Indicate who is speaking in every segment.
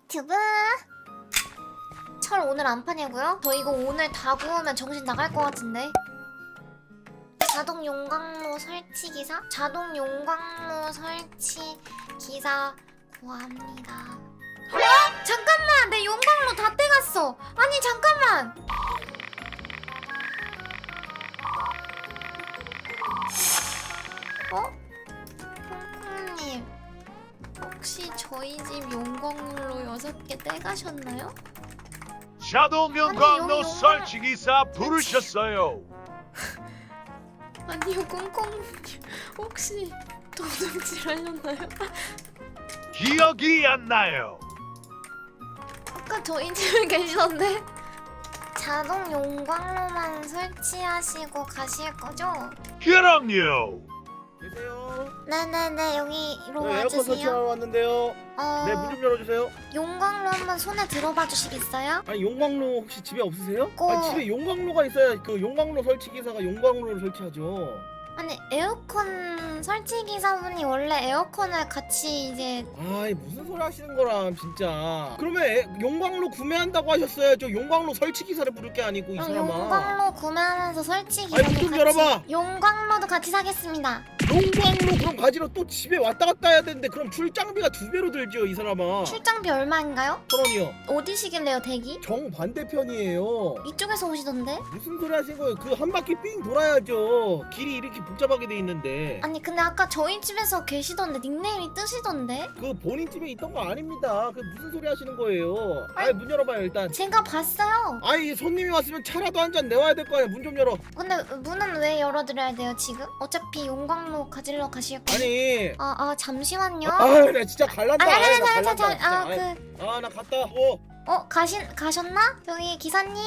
Speaker 1: 유튜브 철 오늘 안 파냐고요? 저 이거 오늘 다 구우면 정신 나갈 것 같은데. 자동 용광로 설치 기사? 자동 용광로 설치 기사 구합니다. 어? 잠깐만! 내 용광로 다 떼갔어! 아니 잠깐만! 어? 콩콩님 혹시 저희 집 용광로 6개 떼가셨나요?
Speaker 2: 자동 용광로
Speaker 1: 용-
Speaker 2: 설치기사 부르셨어요.
Speaker 1: 아니요 콩콩님 혹시 도둑질 하셨나요?
Speaker 2: 기억이 안 나요.
Speaker 1: 아까 저희 집에 계시던데? 자동 용광로만 설치하시고 가실 거죠?
Speaker 2: 그럼요.
Speaker 3: 계세요?
Speaker 1: 네네네 여기로
Speaker 3: 네, 에어컨 설치하러
Speaker 1: 와주세요.
Speaker 3: 왔는데요. 네, 문 좀 열어주세요.
Speaker 1: 용광로 한번 손에 들어봐 주시겠어요?
Speaker 3: 아니 용광로 혹시 집에 없으세요?
Speaker 1: 꼭-
Speaker 3: 아니 집에 용광로가 있어야 그 용광로 설치 기사가 용광로를 설치하죠.
Speaker 1: 아니 에어컨 설치 기사분이 원래 에어컨을 같이 이제
Speaker 3: 아이 무슨 소리 하시는 거람 진짜. 그러면 용광로 구매한다고 하셨어야죠. 용광로 설치 기사를 부를 게 아니고 이 사람아.
Speaker 1: 용광로 구매하면서 설치
Speaker 3: 아니,
Speaker 1: 기사도
Speaker 3: 문좀
Speaker 1: 같이
Speaker 3: 열어봐.
Speaker 1: 용광로도 같이 사겠습니다.
Speaker 3: 용광로 그럼 가지러 또 집에 왔다 갔다 해야 되는데 그럼 출장비가 2배로 들죠 이 사람아.
Speaker 1: 출장비 얼마인가요?
Speaker 3: 1,000원이요.
Speaker 1: 어디시길래요 대기?
Speaker 3: 정 반대편이에요.
Speaker 1: 이쪽에서 오시던데?
Speaker 3: 무슨 소리 하신 거예요? 그 한 바퀴 삥 돌아야죠. 길이 이렇게 복잡하게 돼 있는데.
Speaker 1: 아니 근데 아까 저희 집에서 계시던데 닉네임이 뜨시던데?
Speaker 3: 그 본인 집에 있던 거 아닙니다. 그 무슨 소리 하시는 거예요? 아이 문 열어봐요 일단.
Speaker 1: 제가 봤어요.
Speaker 3: 아이 손님이 왔으면 차라도 한 잔 내와야 될 거 아니야. 문 좀 열어.
Speaker 1: 근데 문은 왜 열어드려야 돼요 지금? 어차피 용광로 가지러 가실 거예요.
Speaker 3: 아니.
Speaker 1: 잠시만요.
Speaker 3: 나 진짜 갈란다.
Speaker 1: 아니,
Speaker 3: 아이, 나 갈란다.
Speaker 1: 아
Speaker 3: 나 갔다.
Speaker 1: 가셨나? 저기 기사님?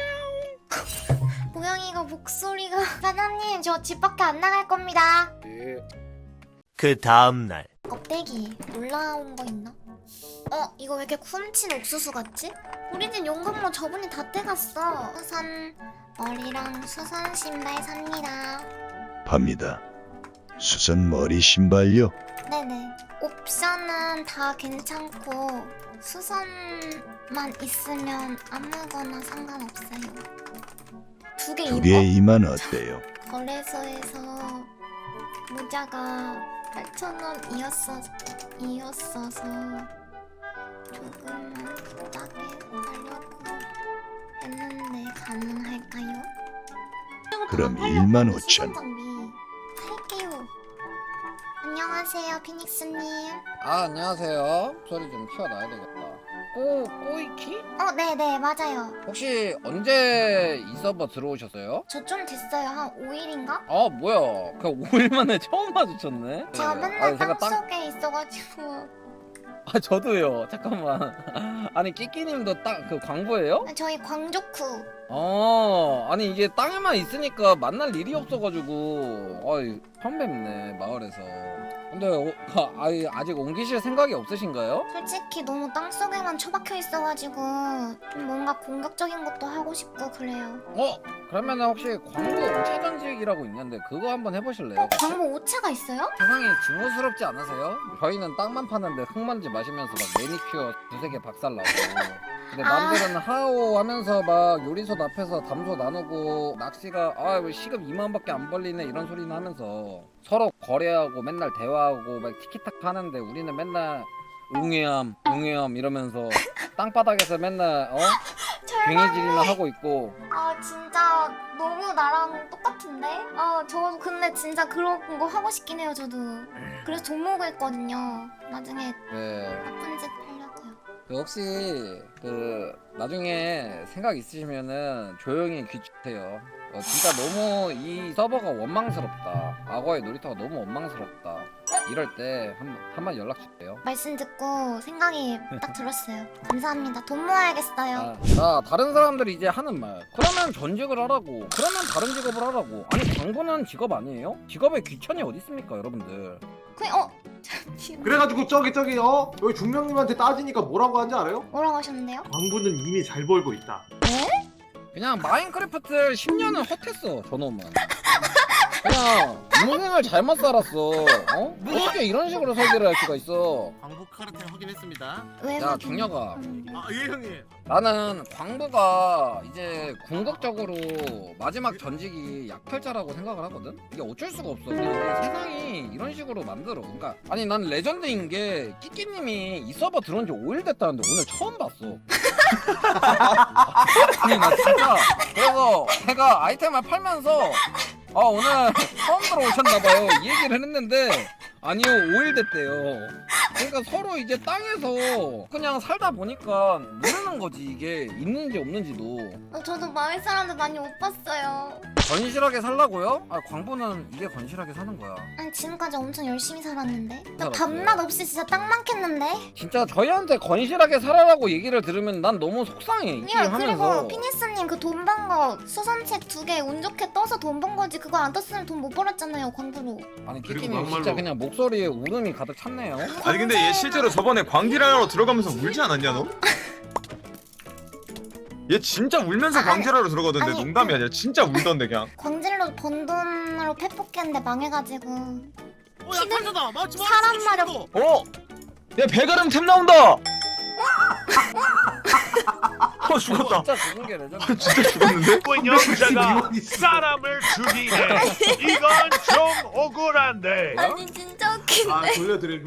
Speaker 1: 고양이가 목소리가 사장님 저 집 밖에 안 나갈 겁니다.
Speaker 3: 네.
Speaker 4: 그 다음날
Speaker 1: 껍데기 올라온 거 있나? 이거 왜 이렇게 훔친 옥수수 같지? 우리 집 용광로 저분이 다 떼갔어. 수선 머리랑 수선 신발 삽니다.
Speaker 5: 팝니다. 수선 머리 신발요?
Speaker 1: 네네. 옵션은 다 괜찮고 수선만 있으면 아무거나 상관없어요. 두 개
Speaker 5: 두
Speaker 1: 입어?
Speaker 5: 개 이만 어때요?
Speaker 1: 거래소에서 모자가 8,000원이었어서 조금만 싸게 하려고 했는데 가능할까요?
Speaker 5: 그럼
Speaker 1: 다 팔려고
Speaker 5: 15,000원.
Speaker 1: 수선 장비 살게요. 안녕하세요 피닉스님.
Speaker 6: 안녕하세요. 소리 좀 키워놔야 되겠다. 꼬이키?
Speaker 1: 네네 맞아요.
Speaker 6: 혹시 언제 이 서버 들어오셨어요?
Speaker 1: 저 좀 됐어요. 한 5일인가?
Speaker 6: 뭐야. 그 5일 만에 처음 마주쳤네?
Speaker 1: 제가
Speaker 6: 네.
Speaker 1: 맨날
Speaker 6: 제가
Speaker 1: 땅속에 있어가지고
Speaker 6: 저도요. 잠깐만. 아니, 끼끼님도 그 광부예요?
Speaker 1: 저희 광조쿠.
Speaker 6: 아니, 이게 땅에만 있으니까 만날 일이 없어가지고. 처음 뵙네, 마을에서. 근데 아직 옮기실 생각이 없으신가요?
Speaker 1: 솔직히 너무 땅속에만 처박혀 있어가지고 좀 뭔가 공격적인 것도 하고 싶고 그래요.
Speaker 6: 그러면 혹시 광부 오차전직이라고 있는데 그거 한번 해보실래요? 혹시?
Speaker 1: 광고 오차가 있어요?
Speaker 6: 세상이 증오스럽지 않으세요? 저희는 땅만 파는데 흙먼지 마시면서 막 매니큐어 2-3개 박살나고 근데 남들은 하오 하면서 막 요리솥 앞에서 담소 나누고 낚시가 왜 시급 2만원밖에 안 벌리네 이런 소리는 하면서 서로 거래하고 맨날 대화하고 막 티키타카 하는데 우리는 맨날 웅해함 이러면서 땅바닥에서 맨날 괭이질이나 하고 있고
Speaker 1: 진짜 너무 나랑 똑같은데? 저 근데 진짜 그런 거 하고 싶긴 해요 저도. 그래서 종목을 했거든요. 나중에
Speaker 6: 네.
Speaker 1: 나쁜 짓 하려고요.
Speaker 6: 혹시 나중에 생각 있으시면은 조용히 귀추세요. 진짜 너무 이 서버가 원망스럽다. 악어의 놀이터가 너무 원망스럽다. 이럴 때 한번 연락 주세요.
Speaker 1: 말씀 듣고 생각이 딱 들었어요. 감사합니다. 돈 모아야겠어요.
Speaker 6: 자, 다른 사람들이 이제 하는 말. 그러면 전직을 하라고. 그러면 다른 직업을 하라고. 아니, 광고는 직업 아니에요? 직업에 귀천이 어디 있습니까, 여러분들?
Speaker 1: 잠시만.
Speaker 7: 그래가지고 저기 여기 중명님한테 따지니까 뭐라고 하는지 알아요?
Speaker 1: 뭐라고 하셨는데요?
Speaker 7: 광부는 이미 잘 벌고 있다.
Speaker 6: 그냥 마인크래프트 10년은 헛했어, 저놈은. 그냥 인생을 잘못 살았어. 어? 어떻게 이런 식으로 설계를 할 수가 있어?
Speaker 8: 광부 카르텔 확인했습니다.
Speaker 1: 왜?
Speaker 6: 야 중녀가,
Speaker 8: 아 예 형님.
Speaker 6: 나는 광부가 이제 궁극적으로 마지막 전직이 약탈자라고 생각을 하거든? 이게 어쩔 수가 없어. 그냥 이게 세상이 이런 식으로 만들어. 그러니까 아니 난 레전드인 게 끼끼님이 이 서버 들어온 지 5일 됐다는데 오늘 처음 봤어. 아니 나 진짜 그래서 제가 아이템을 팔면서 오늘 처음 들어오셨나봐요 이 얘기를 했는데 아니요 5일 됐대요. 그러니까 서로 이제 땅에서 그냥 살다 보니까 모르는 거지 이게 있는지 없는지도.
Speaker 1: 저도 마을 사람들 많이 못 봤어요.
Speaker 6: 건실하게 살라고요? 아 광부는 이게 건실하게 사는 거야.
Speaker 1: 아니 지금까지 엄청 열심히 살았는데. 나
Speaker 6: 살았어요.
Speaker 1: 밤낮 없이 진짜 딱 많겠는데.
Speaker 6: 진짜 저희한테 건실하게 살아라고 얘기를 들으면 난 너무 속상해 이
Speaker 1: 그리고
Speaker 6: 하면서.
Speaker 1: 피니스님 그 돈 번 거 수선책 2개 운 좋게 떠서 돈 번 거지. 그거 안 떴으면 돈 못 벌었잖아요 광부로.
Speaker 6: 아니
Speaker 9: 그리고
Speaker 6: 끼끼님 진짜
Speaker 9: 막말로-
Speaker 6: 그냥 목소리에 울음이 가득 찼네요.
Speaker 9: 아니 근데 얘 실제로 저번에 광질하러 들어가면서 울지 않았냐 너? 얘 진짜 울면서
Speaker 1: 아니,
Speaker 9: 광질하러 들어가던데
Speaker 1: 아니,
Speaker 9: 농담이 아니라 진짜 울던데 그냥.
Speaker 1: 광질로 번 돈으로 펫뽑겠는데 망해가지고.
Speaker 8: 야 팔자다. 맞지 마.
Speaker 1: 사람 마력.
Speaker 9: 어? 야 배가름 템 나온다! 죽었다.
Speaker 6: 진짜 죽은 게 레전드.
Speaker 9: 진짜 죽었는데?
Speaker 2: 운영자가 사람을 죽이네. 이건 좀 억울한데.
Speaker 1: 아니 진짜 웃긴데.
Speaker 7: 아 돌려드림.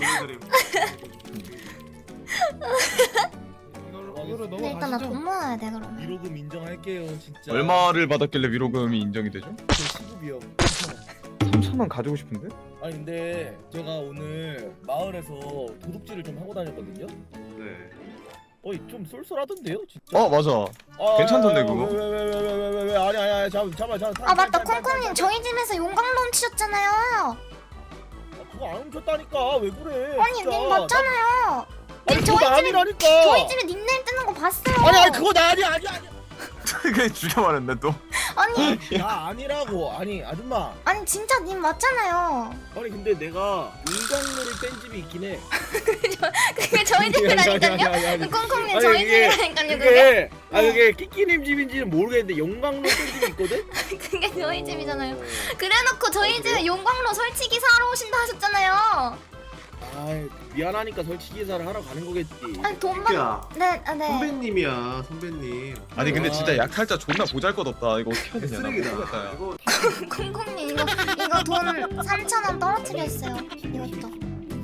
Speaker 3: 이거를
Speaker 1: 근데 일단 나 돈 모아야 돼 그러면.
Speaker 3: 위로금 인정할게요 진짜.
Speaker 9: 얼마를 받았길래 위로금이 인정이 되죠?
Speaker 3: 시급이요.
Speaker 9: 3,000원 가지고 싶은데?
Speaker 3: 아니 근데 제가 오늘 마을에서 도둑질을 좀 하고 다녔거든요.
Speaker 9: 네.
Speaker 3: 어이 좀 쏠쏠하던데요 진짜.
Speaker 9: 어 맞아. 괜찮던데, 그거?
Speaker 3: 왜 아니 잠깐만.
Speaker 1: 아 맞다 콩콩님 저희 집에서 용광로 훔치셨잖아요.
Speaker 3: 그거 안 훔쳤다니까 왜 그래?
Speaker 1: 아니
Speaker 3: 진짜.
Speaker 1: 님 맞잖아요.
Speaker 3: 아니
Speaker 1: 저희
Speaker 3: 그거 나
Speaker 1: 집에
Speaker 3: 아니라니까.
Speaker 1: 저희 집에 닉네임 뜨는 거 봤어요.
Speaker 3: 아니 그거 나 아니야.
Speaker 9: 그게 죽여버렸네 또.
Speaker 1: 아니
Speaker 3: 나 아니라고. 아니 아줌마.
Speaker 1: 아니 진짜 님 맞잖아요.
Speaker 3: 아니 근데 내가 인광로를 뺀 집이 있긴 해.
Speaker 1: 그게 저희 집이라니까요.
Speaker 3: 아니,
Speaker 1: 콩콩님
Speaker 3: 아니,
Speaker 1: 저희
Speaker 3: 이게-
Speaker 1: 집이라니까요. 그게
Speaker 3: 그게 그게 끼끼님 집인지는 모르겠는데 용광로 뺀 집이 있거든.
Speaker 1: 그게 저희 집이잖아요. 그래놓고 저희 집에 용광로 설치 기사하러 오신다 하셨잖아요.
Speaker 3: 아 미안하니까 설치 기사를 하러 가는 거겠지.
Speaker 1: 아니 돈만
Speaker 7: 끼끼야.
Speaker 1: 네 네.
Speaker 7: 선배님이야 선배님.
Speaker 9: 아니 근데
Speaker 3: 아.
Speaker 9: 진짜 약탈자 존나 보잘것없다. 이거 어떻게 해야 되냐. 나
Speaker 7: 쓰레기다.
Speaker 9: 모르겠다, 야.
Speaker 7: 이거
Speaker 1: 콩콩님 이거 돈 3,000원 떨어뜨려 있어요. 이것도.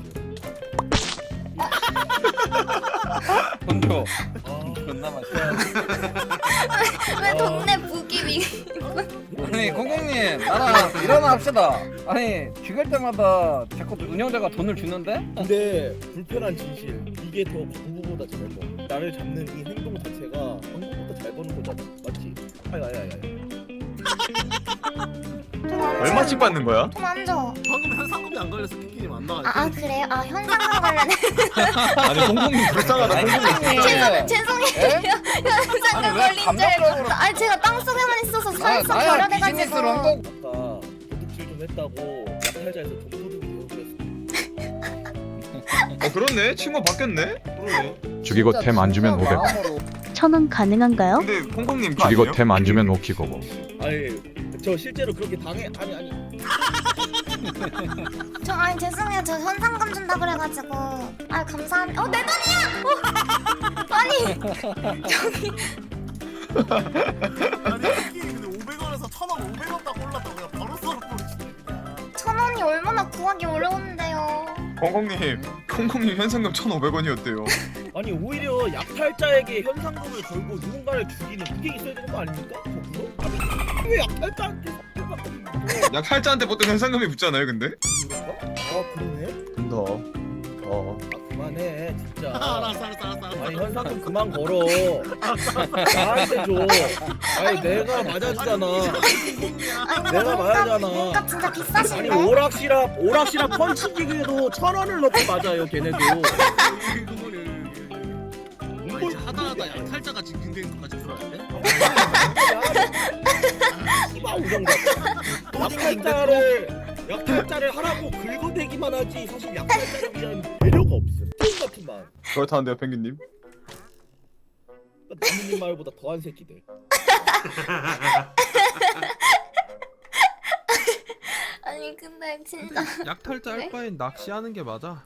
Speaker 6: 돈 줘.
Speaker 3: 아,
Speaker 6: 존나 맛있어.
Speaker 1: 왜 동네 부기비?
Speaker 6: 아니 공공님 나랑 일어납시다. 아니 죽일 때마다 자꾸 운영자가 돈을 주는데?
Speaker 3: 근데 불편한 진실 이게 더 광부보다 잘 버. 나를 잡는 이 행동 자체가 광부보다 잘 버는 거잖아. 맞지? 아야.
Speaker 9: 얼마씩 받는 거야?
Speaker 1: 돈안 줘.
Speaker 8: 방금 현상금이 안 걸려서 키키님 안 나가.
Speaker 1: 아 그래요? 아 현상금 관련해.
Speaker 9: 아니 공공님 불쌍하다. 공공님.
Speaker 1: 죄송해요. 현상금
Speaker 6: 아니, 왜
Speaker 1: 걸린 줄 알고.
Speaker 6: 감정적으로-
Speaker 1: 아니 제가 땅속에만 있어서 살짝
Speaker 6: 나야 비즈니스로 한
Speaker 1: 결여돼가지고.
Speaker 6: 거.
Speaker 3: 아까 도둑질 좀 했다고 약탈자에서 돈도둑이 되어버렸어.
Speaker 9: 그렇네. 친구 바뀌었네.
Speaker 7: 그러네.
Speaker 10: 죽이고 템 안 주면 500.
Speaker 11: 1,000원 가능한가요?
Speaker 9: 근데 콩콩님
Speaker 10: 죽이고
Speaker 9: 아니에요?
Speaker 10: 템 안 주면 오키고고.
Speaker 3: 아니 저 실제로 그렇게 당해. 아니.
Speaker 1: 저 아니 죄송해요. 저 현상금 준다 그래가지고. 아 감사합니다. 내 돈이야. 아니 저기
Speaker 8: 아니 키키 근데 500원에서 1,000원 500원 딱 올랐다고 그냥 바로 썰어버리시네 그냥.
Speaker 1: 1,000원이 얼마나 구하기 어려운데요.
Speaker 9: 콩콩님 현상금 1,500원이었대요.
Speaker 3: 아니 오히려 약탈자에게 현상금을 걸고 누군가를 죽이는 그게 있어야 되는 거 아닙니까? 거기서? 아니 왜 약탈자한테
Speaker 9: 약탈자한테 보통 현상금이 붙잖아요, 근데.
Speaker 3: 그런가? 아 그러네?
Speaker 9: 근데
Speaker 3: 아 그만해 진짜.
Speaker 8: 알았어.
Speaker 3: 아니 현상금 그만 걸어. 나한테 줘. 아니 내가 맞아주잖아.
Speaker 1: 아니
Speaker 3: 내가 말하잖아.
Speaker 1: 몸값 진짜
Speaker 3: 아니
Speaker 1: 비싸신데?
Speaker 3: 오락실합 펀치기계도 1,000원을 넣고 맞아요 걔네도.
Speaker 8: 아니 이제 하다하다 약탈자가 징징대는 것까지 들어야 돼?
Speaker 3: 이봐 우정가. 약탈자를 하라고 긁어대기만 하지 사실 약탈자를 위한 배려가 없음. 게임 같은 마음.
Speaker 9: 그렇다는데요, 펭귄님.
Speaker 3: 나무님 말보다 더한 새끼들.
Speaker 1: 아니 근데 진짜
Speaker 8: 약탈자
Speaker 1: 네?
Speaker 8: 할 바엔 낚시하는 게 맞아.